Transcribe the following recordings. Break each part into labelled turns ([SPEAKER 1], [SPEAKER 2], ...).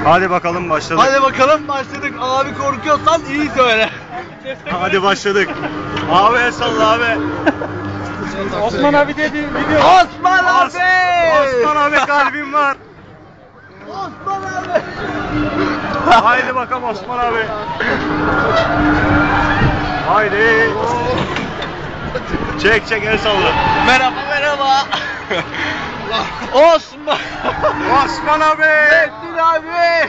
[SPEAKER 1] Hadi bakalım başladık.
[SPEAKER 2] Hadi bakalım başladık. Abi korkuyorsan iyi söyle.
[SPEAKER 1] Hadi başladık. Abi el salla abi.
[SPEAKER 3] Osman abi dedi video.
[SPEAKER 2] Osman abi!
[SPEAKER 1] Osman abi kalbim var.
[SPEAKER 2] Osman abi!
[SPEAKER 1] Haydi bakalım Osman abi. Haydi. Çek çek el salla.
[SPEAKER 2] Merhaba merhaba. Osman!
[SPEAKER 1] Osman abi.
[SPEAKER 2] Metin abi!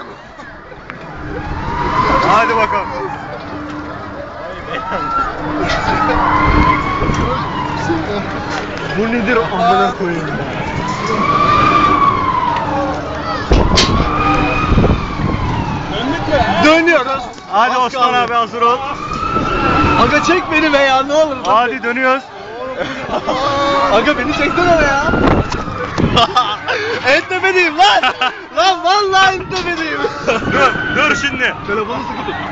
[SPEAKER 1] Hadi bakalım.
[SPEAKER 2] Bu nedir amına koyayım ya? Dönüyoruz.
[SPEAKER 1] Hadi
[SPEAKER 2] Az
[SPEAKER 1] Osman
[SPEAKER 2] kaldı.
[SPEAKER 1] abi hazır ol.
[SPEAKER 2] Aga çek beni be ya ne olur.
[SPEAKER 1] Hadi dönüyoruz.
[SPEAKER 2] Aga beni çeksene be ya. En tepedeyim lan. Lan vallahi en tepedeyim.
[SPEAKER 1] Dur şimdi.
[SPEAKER 2] Telefonu sıkı tut.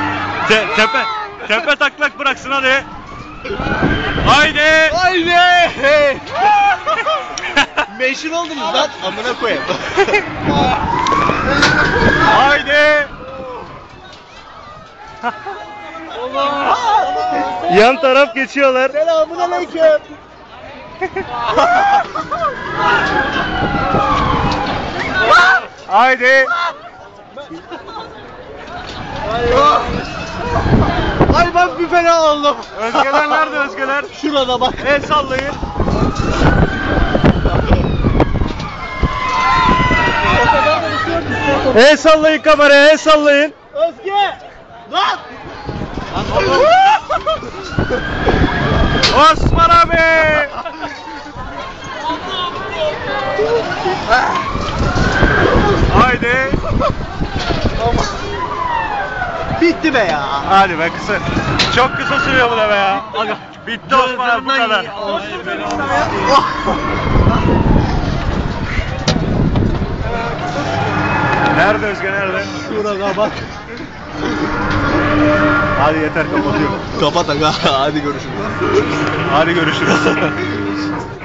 [SPEAKER 1] Tepe taklak bıraksın hadi. Haydi.
[SPEAKER 2] Haydi. Meşhur oldunuz lan. Amına koyayım.
[SPEAKER 1] Haydi. Yan taraf geçiyorlar.
[SPEAKER 2] Selamun aleyküm.
[SPEAKER 1] Haydi.
[SPEAKER 2] Ay bak bir fena oldum.
[SPEAKER 1] Özgeler nerede Özgeler?
[SPEAKER 2] Şurada bak.
[SPEAKER 1] El sallayın. El sallayın kameraya, el sallayın.
[SPEAKER 2] Özge. Lan.
[SPEAKER 1] Osman abi. Haydi.
[SPEAKER 2] Bitti be ya.
[SPEAKER 1] Hadi be kısa. Çok kısa sürüyor bu da be ya. Bitti Osman abi bu kadar. Nerede Özge nerede?
[SPEAKER 2] Şurada bak.
[SPEAKER 1] Hadi yeter kapatıyorum.
[SPEAKER 2] Kapat aga. Hadi görüşürüz.
[SPEAKER 1] Hadi görüşürüz.